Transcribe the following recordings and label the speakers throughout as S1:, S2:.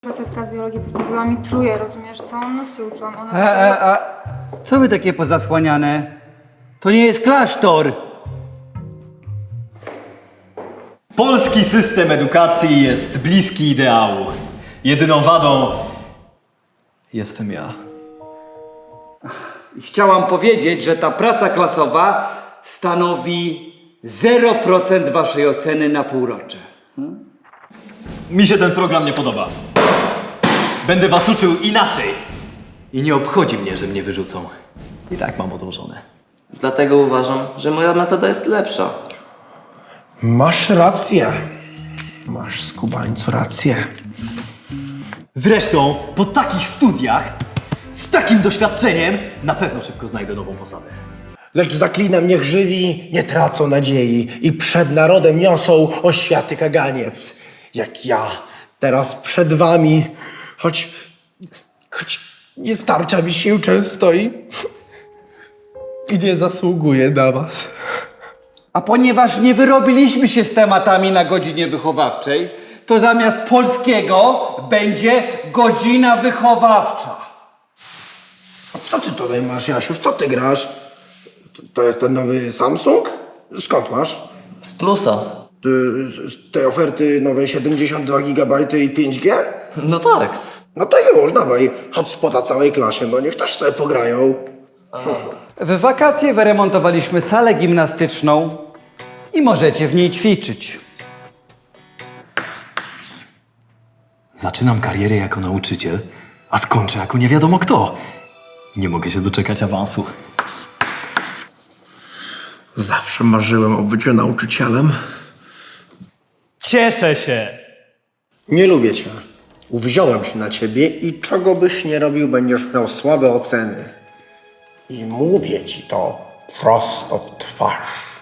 S1: Facetka z biologii postawiła mi truje, rozumiesz? Całą noc się uczyłam. Ona
S2: Co wy takie pozasłaniane? To nie jest klasztor!
S3: Polski system edukacji jest bliski ideału. Jedyną wadą jestem ja.
S2: Chciałam powiedzieć, że ta praca klasowa stanowi 0% waszej oceny na półrocze.
S3: Mi się ten program nie podoba. Będę was uczył inaczej. I nie obchodzi mnie, że mnie wyrzucą. I tak mam odłożone.
S4: Dlatego uważam, że moja metoda jest lepsza.
S5: Masz rację. Masz, skubańcu, rację.
S3: Zresztą po takich studiach, z takim doświadczeniem, na pewno szybko znajdę nową posadę.
S5: Lecz zaklinam, niech żywi nie tracą nadziei i przed narodem niosą oświaty kaganiec. Jak ja teraz przed wami, choć nie starcza mi sił często i nie zasługuję na was.
S2: A ponieważ nie wyrobiliśmy się z tematami na godzinie wychowawczej, to zamiast polskiego będzie godzina wychowawcza.
S5: A co ty tutaj masz, Jasiu? W co ty grasz? To jest ten nowy Samsung? Skąd masz?
S4: Z plusa.
S5: Ty, z tej oferty nowej 72 GB i 5G?
S4: No tak.
S5: No to już, dawaj hotspota całej klasie, no niech też sobie pograją.
S2: W wakacje wyremontowaliśmy salę gimnastyczną i możecie w niej ćwiczyć.
S3: Zaczynam karierę jako nauczyciel, a skończę jako nie wiadomo kto. Nie mogę się doczekać awansu.
S5: Zawsze marzyłem o byciu nauczycielem.
S3: Cieszę się!
S5: Nie lubię cię. Uwziąłem się na ciebie i czego byś nie robił, będziesz miał słabe oceny. I mówię ci to prosto w twarz.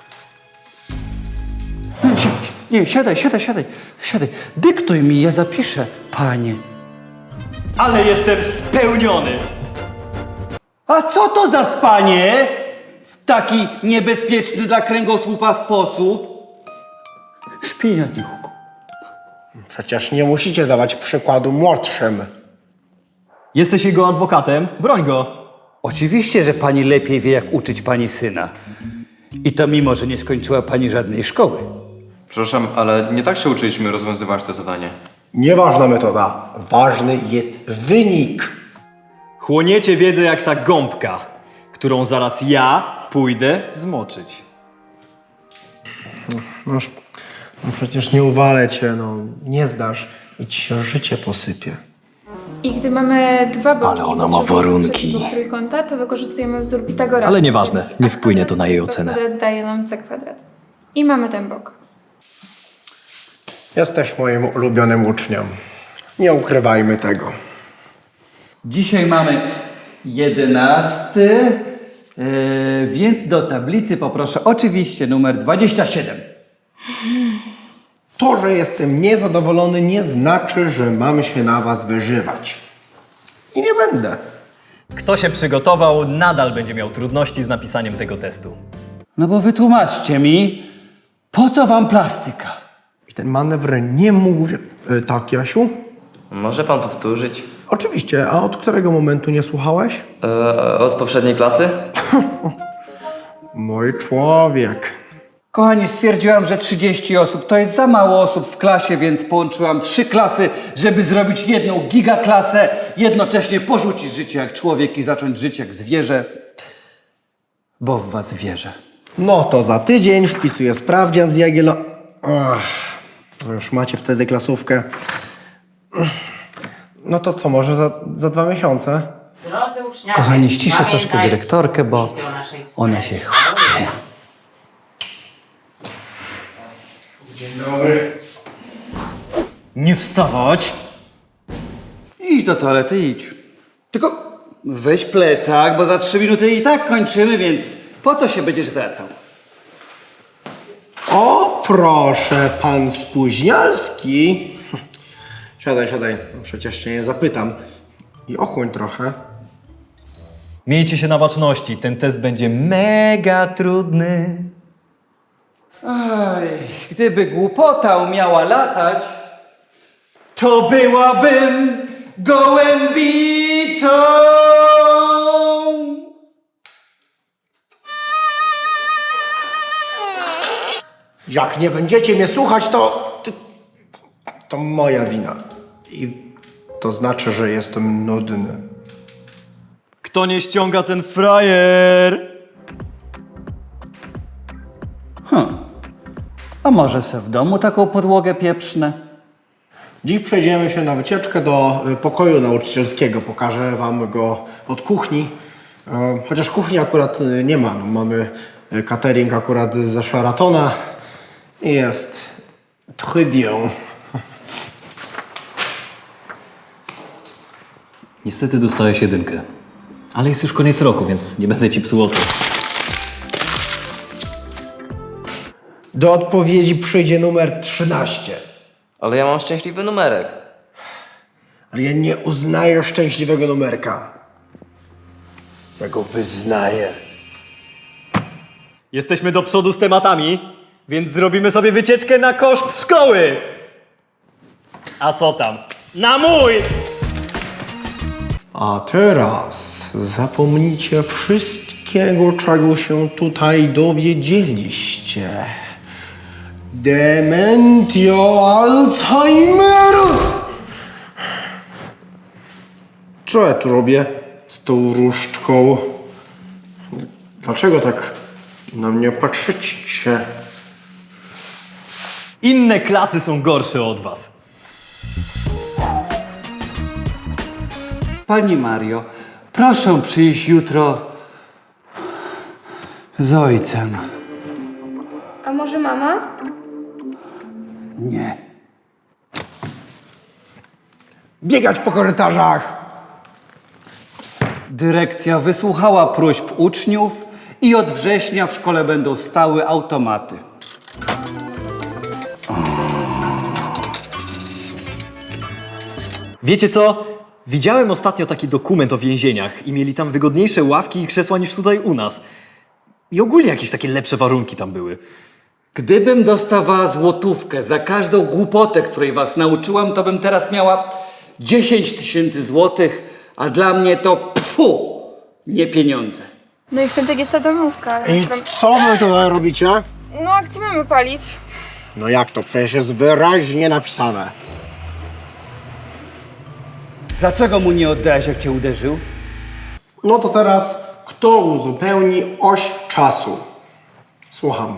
S2: Nie, siadaj. Dyktuj mi, ja zapiszę, panie.
S3: Ale jestem spełniony!
S2: A co to za spanie? W taki niebezpieczny dla kręgosłupa sposób? Śpi, Janiuchu.
S5: Przecież nie musicie dawać przykładu młodszym.
S3: Jesteś jego adwokatem? Broń go!
S2: Oczywiście, że pani lepiej wie, jak uczyć pani syna. I to mimo, że nie skończyła pani żadnej szkoły.
S6: Przepraszam, ale nie tak się uczyliśmy rozwiązywać to zadanie.
S5: Nieważna metoda. Ważny jest wynik.
S3: Chłoniecie wiedzę jak ta gąbka, którą zaraz ja pójdę zmoczyć.
S5: No przecież nie uwalę cię, no. Nie zdasz i ci się życie posypie.
S1: I gdy mamy dwa boki
S3: Ale ona
S1: i
S3: ma
S1: potrzebujemy
S3: warunki.
S1: trzeciego trójkąta, to wykorzystujemy wzór Pitagorasa.
S3: Ale nieważne, nie wpłynie to na jej ocenę.
S1: Kwadrat daje nam c kwadrat. I mamy ten bok.
S5: Jesteś moim ulubionym uczniem. Nie ukrywajmy tego.
S2: Dzisiaj mamy 11, więc do tablicy poproszę oczywiście numer 27.
S5: To, że jestem niezadowolony, nie znaczy, że mam się na was wyżywać. I nie będę.
S3: Kto się przygotował, nadal będzie miał trudności z napisaniem tego testu.
S2: No bo wytłumaczcie mi, po co wam plastyka?
S5: I ten manewr nie mógł się... Tak, Jasiu?
S4: Może pan powtórzyć?
S5: Oczywiście, a od którego momentu nie słuchałeś?
S4: Od poprzedniej klasy?
S5: Mój człowiek.
S2: Kochani, stwierdziłam, że 30 osób to jest za mało osób w klasie, więc połączyłam 3 klasy, żeby zrobić jedną gigaklasę, jednocześnie porzucić życie jak człowiek i zacząć żyć jak zwierzę, bo w was wierzę.
S5: No to za tydzień wpisuję sprawdzian z Jagielo... Już macie wtedy klasówkę. No to co, może za 2 miesiące?
S7: Drodzy uczniowie,
S2: Kochani, ściszę troszkę
S7: pamiętajcie
S2: dyrektorkę, bo
S7: misję naszej
S2: ona
S7: wspólnej
S2: się
S7: szkoły.
S2: zna.
S5: Dzień dobry.
S3: Nie wstawać!
S2: Idź do toalety, idź. Tylko weź plecak, bo za 3 minuty i tak kończymy, więc po co się będziesz wracał?
S5: O, proszę, pan Spóźnialski. Siadaj. Przecież cię nie zapytam. I ochłoń trochę.
S3: Miejcie się na baczności, ten test będzie mega trudny.
S2: Oj, gdyby głupota umiała latać, to byłabym gołębicą.
S5: Jak nie będziecie mnie słuchać, to moja wina. I to znaczy, że jestem nudny.
S3: Kto nie ściąga, ten frajer!
S2: A może se w domu taką podłogę pieprznę?
S5: Dziś przejdziemy się na wycieczkę do pokoju nauczycielskiego. Pokażę wam go od kuchni. Chociaż kuchni akurat nie ma. No, mamy catering akurat ze Sheratona i jest très bien.
S3: Niestety dostałeś 1. Ale jest już koniec roku, więc nie będę ci psuł oczu.
S5: Do odpowiedzi przyjdzie numer 13.
S4: Ale ja mam szczęśliwy numerek.
S5: Ale ja nie uznaję szczęśliwego numerka. Ja go wyznaję.
S3: Jesteśmy do przodu z tematami, więc zrobimy sobie wycieczkę na koszt szkoły! A co tam? Na mój!
S5: A teraz zapomnijcie wszystkiego, czego się tutaj dowiedzieliście. Dementio Alzheimerus! Co ja tu robię z tą różdżką? Dlaczego tak na mnie patrzycie?
S3: Inne klasy są gorsze od was.
S2: Pani Mario, proszę przyjść jutro z ojcem.
S1: A może mama?
S2: Nie.
S5: Biegać po korytarzach!
S2: Dyrekcja wysłuchała próśb uczniów i od września w szkole będą stały automaty.
S3: Wiecie co? Widziałem ostatnio taki dokument o więzieniach i mieli tam wygodniejsze ławki i krzesła niż tutaj u nas. I ogólnie jakieś takie lepsze warunki tam były.
S2: Gdybym dostawała złotówkę za każdą głupotę, której was nauczyłam, to bym teraz miała 10 000 złotych, a dla mnie to nie pieniądze.
S1: No i w piątek jest ta domówka.
S5: I co wy tutaj robicie?
S1: No a gdzie mamy palić?
S5: No jak to? Przecież jest wyraźnie napisane.
S2: Dlaczego mu nie oddałeś, jak cię uderzył?
S5: No to teraz kto uzupełni oś czasu? Słucham.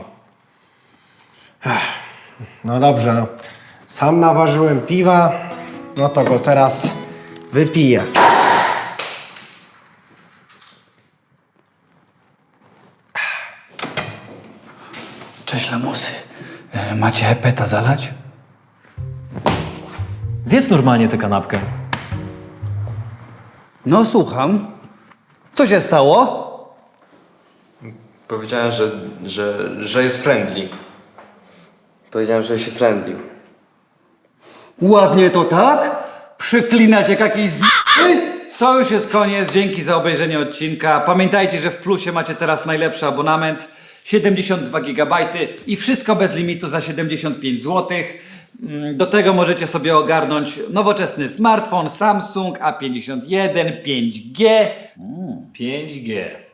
S5: No dobrze, no. Sam naważyłem piwa, no to go teraz wypiję.
S2: Cześć, lamusy. Macie hepeta zalać?
S3: Zjedz normalnie tę kanapkę.
S2: No, słucham. Co się stało?
S6: Powiedziałem, że jest friendly.
S4: Powiedziałem, że się friendlił.
S2: Ładnie to tak? Przyklinać jak jakiś To już jest koniec. Dzięki za obejrzenie odcinka. Pamiętajcie, że w Plusie macie teraz najlepszy abonament. 72 GB i wszystko bez limitu za 75 zł. Do tego możecie sobie ogarnąć nowoczesny smartfon Samsung A51 5G.
S3: 5G.